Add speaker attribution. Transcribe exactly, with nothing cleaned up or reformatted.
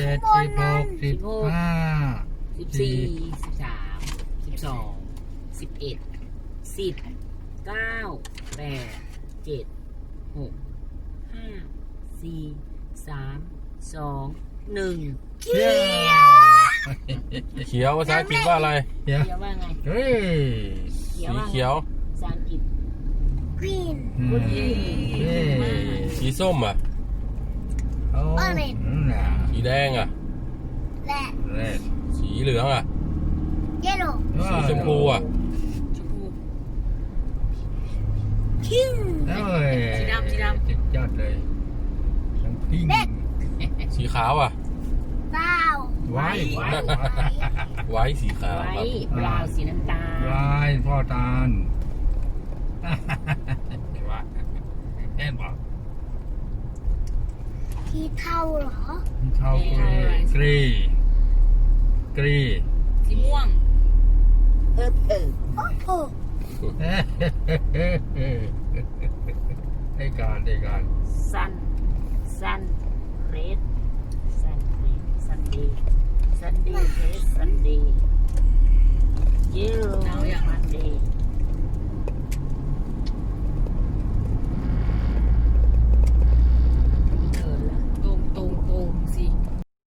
Speaker 1: จ็ดสิบหกสิบห้า
Speaker 2: สิบสี่สิบสามสิบสองสิบเอ็ดสิบเก้าแปดเจ็ดหกห้าสี่สามสองหนึ่ง
Speaker 1: เขียว
Speaker 3: เขียวภาษาอังกฤษว่าอะไร
Speaker 1: เขียว
Speaker 2: เขียวว่าไง
Speaker 1: เฮ้ย
Speaker 2: เขียว
Speaker 3: สี
Speaker 2: ว่าไง
Speaker 3: เขียว
Speaker 2: ภาษาอังกฤษ
Speaker 4: green
Speaker 1: อืม
Speaker 2: Good
Speaker 1: เฮ้ย
Speaker 3: สีส้มอ่ะ
Speaker 1: โอ้นั่นน่ะ
Speaker 3: สีแดงอ่ะ
Speaker 4: red
Speaker 1: เรด
Speaker 3: สีเหลืองอ่ะ
Speaker 4: yellow
Speaker 3: สีชมพูอ่ะ
Speaker 2: ชมพู
Speaker 4: pink
Speaker 1: เอ้ย
Speaker 2: สีดำสีดำ
Speaker 1: สุดยอดเลยทั้งพิง
Speaker 3: สีขาวอ่ะ
Speaker 4: brown
Speaker 1: ไว้ไว้
Speaker 3: ไว้สีขาว
Speaker 2: ไว้
Speaker 3: ครับ
Speaker 2: บราวน์สีน้ำตาล
Speaker 1: ไว้พ่อตาลว่าแอนบอก
Speaker 4: สีเทาเหรอ
Speaker 1: เท่ากรีกรีกรี
Speaker 2: สีม่วง เออเออ
Speaker 4: โอ้โห
Speaker 1: ให้การให้การ
Speaker 2: สัน